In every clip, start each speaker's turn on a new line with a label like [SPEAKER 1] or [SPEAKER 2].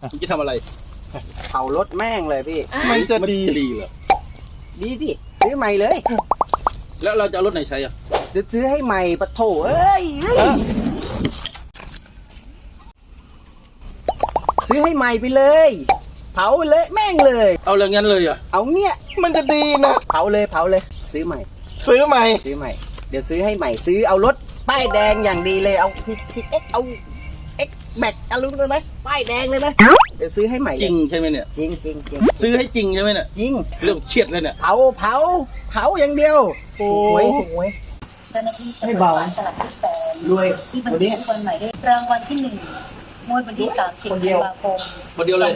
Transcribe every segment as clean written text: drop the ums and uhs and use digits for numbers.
[SPEAKER 1] มึงจะทำอะไร
[SPEAKER 2] เผารถแม่งเลยพี่
[SPEAKER 1] มันจะดีเหรอ
[SPEAKER 2] ดีสิซื้อใหม่เลย
[SPEAKER 1] แล้วเราจะเอารถไหนใช้อ่ะ
[SPEAKER 2] เดี๋ยวซื้อให้ใหม่ปะโถเอ้ยซื้อให้ใหม่ไปเลยเผาเลยแม่งเลย
[SPEAKER 1] เอาเลยงั้นเลยอ่ะ
[SPEAKER 2] เอาเนี่ย
[SPEAKER 3] มันจะดีนะ
[SPEAKER 2] เผาเลยซื้อใหม่เดี๋ยวซื้อให้ใหม่ซื้อเอารถป้ายแดงอย่างดีเลยเอาPCXเอาX Max เอาลุ้นเลยไหมป้ายแดงเลยไหมเดี๋ยวซื้อให้ใหม่
[SPEAKER 1] จริงใช่ไหมเนี่ย
[SPEAKER 2] จริง
[SPEAKER 1] ซื้อให้จริงใช่ไหมเนี่ย
[SPEAKER 2] จริง
[SPEAKER 1] เรื่องเครียดเลยเนี่ย
[SPEAKER 2] เผาอย่างเดียวโอ้ยไม่เบา
[SPEAKER 4] รวยที่บัญชีคนใหม่ได้รางวัลที่1งวดวันที่30 ธันวาคม
[SPEAKER 1] คนเดียวเลย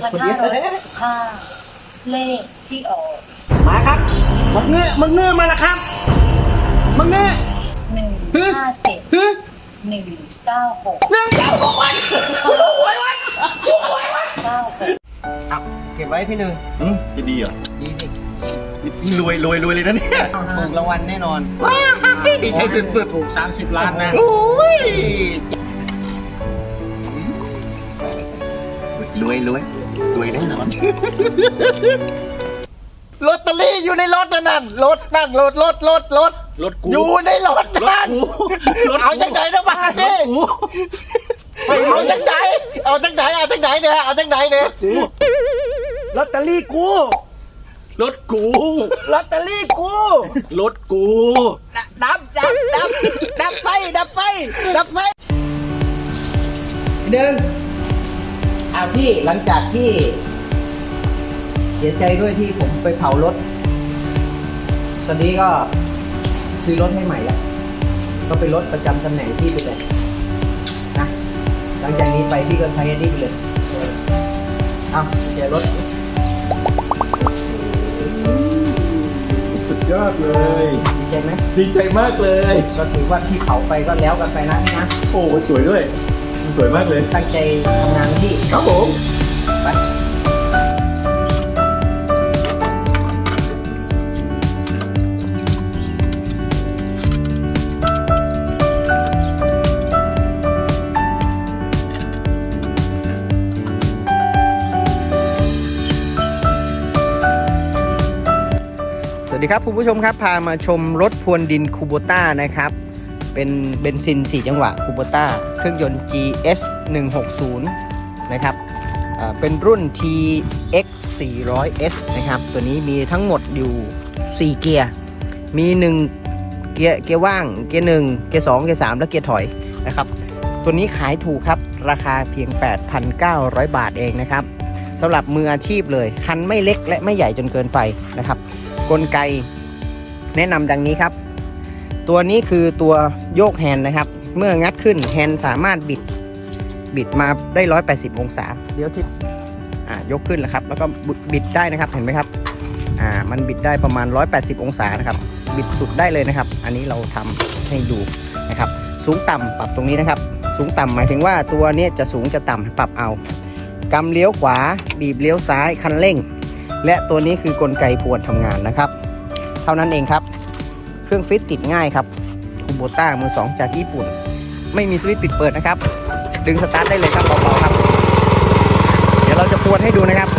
[SPEAKER 4] 2565เลขที่ออก
[SPEAKER 2] มาครับมึงเงื้อมาแล้วครับมึงเงื้อ
[SPEAKER 4] 157 196
[SPEAKER 2] เอาเก็บไว้พี่หนึ่ง
[SPEAKER 3] จะดีเหรอ
[SPEAKER 2] ดีสิ
[SPEAKER 3] รวยเลยนะเนี่ย
[SPEAKER 2] ถูกรางวัลแน่นอน
[SPEAKER 3] ดีใจสุด
[SPEAKER 1] ถูก30 ล้านนะ
[SPEAKER 3] โอ้ยรวยแน่นอนลอตเตอรี่อยู่ในรถนั่นรถ
[SPEAKER 1] กู
[SPEAKER 3] อยู่ในรถนั่นเอาจังไหนนะบ้านนี่เอาจังไหนเนี่ย
[SPEAKER 2] ลอตเตอรี่กู
[SPEAKER 1] รถกู
[SPEAKER 2] ลอตเตอรี่กู
[SPEAKER 1] รถกู
[SPEAKER 2] ดับไฟเดินเอาพี่หลังจากที่เสียใจด้วยที่ผมไปเผารถตอนนี้ก็ซื้อรถให้ใหม่แล้วก็เป็นรถประจำตำแหน่งพี่ไปเลยนะหลังจากนี้ไปพี่ก็ใช้อันนี้ไปเลยเอาเจอรถ
[SPEAKER 3] สุดยอดเลย
[SPEAKER 2] ดีใจไหม
[SPEAKER 3] ดีใจมากเลย
[SPEAKER 2] ก็ถือว่าที่เผาไปก็แล้วกันไปนะพี่นะ
[SPEAKER 3] โอ้สวยด้วยสวยมากเลย
[SPEAKER 2] ตั้งใจทำงานพี่
[SPEAKER 3] ครับผม
[SPEAKER 2] ไปสวัสดีครับคุณผู้ชมครับพามาชมรถพรวนดินคูโบต้านะครับเป็นเบนซิน4จังหวะคูโบต้าเครื่องยนต์ GS 160นะครับเป็นรุ่น TX 400S นะครับตัวนี้มีทั้งหมดอยู่4เกียร์มี1เกียร์ว่างเกียร์1เกียร์2เกียร์3และเกียร์ถอยนะครับตัวนี้ขายถูกครับราคาเพียง 8,900 บาทเองนะครับสำหรับมืออาชีพเลยคันไม่เล็กและไม่ใหญ่จนเกินไปนะครับกลไกแนะนำดังนี้ครับตัวนี้คือตัวโยกแฮนด์นะครับเมื่องัดขึ้นแฮนด์สามารถบิดมาได้180องศาเดี๋ยวที่ยกขึ้นแล้วครับแล้วก็บิดได้นะครับเห็นไหมครับมันบิดได้ประมาณ180องศานะครับบิดสุดได้เลยนะครับอันนี้เราทำให้ดูนะครับสูงต่ำปรับตรงนี้นะครับสูงต่ำหมายถึงว่าตัวนี้จะสูงจะต่ำปรับเอากำเลี้ยวขวาบีบเลี้ยวซ้ายคันเร่งและตัวนี้คือกลไกพรวนทำงานนะครับเท่านั้นเองครับเครื่องฟิตติดง่ายครับคูโบต้ามือ2จากญี่ปุ่นไม่มีสวิตช์ปิดเปิดนะครับดึงสตาร์ทได้เลยครับเบาๆครับเดี๋ยวเราจะพรวนให้ดูนะครับ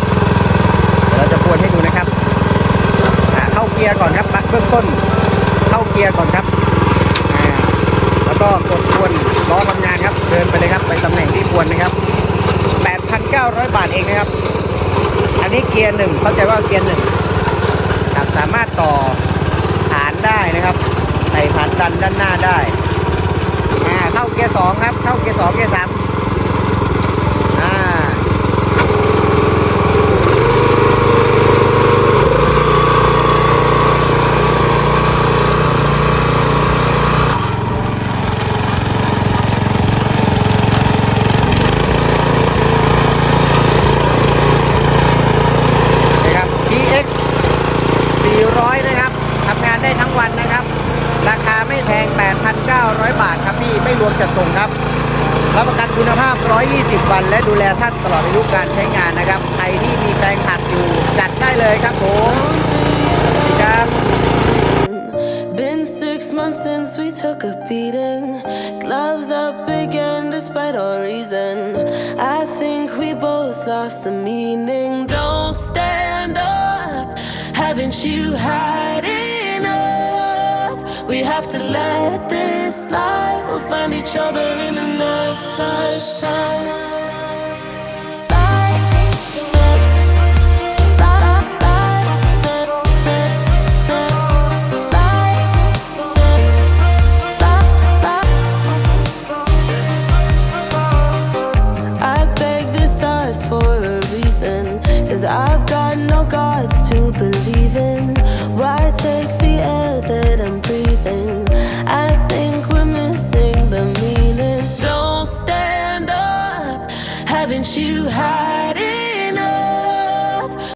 [SPEAKER 2] เข้าเกียร์ก่อนครับเบื้องต้นเข้าเกียร์ก่อนครับแล้วก็กดพรวนล้อทำงานครับเดินไปเลยครับไปตำแหน่งที่พรวนนะครับ 8,900 บาทเองนะครับอันนี้เกียร์1เข้าใจว่าเกียร์1ครับสามารถต่อฐานได้นะครับใส่ฐานดันด้านหน้าได้เข้าเกียร์2ครับเข้าเกียร์2เกียร์3นะครับทำงานได้ทั้งวันนะครับราคาไม่แพง 8,900 บาทครับพี่ไม่รวมจัดส่งครับรับประกันคุณภาพ120วันและดูแลท่านตลอดอายุการใช้งานนะครับใครที่มีแปลงผักอยู่จัดได้เลยครับผมสวัสดีครับ
[SPEAKER 5] months since we took a beating. Gloves up again despite all reason. I think we both lost the meaning. Don't stand up. Haven't you had enough? We have to let this lie. We'll find each other in the next lifetime.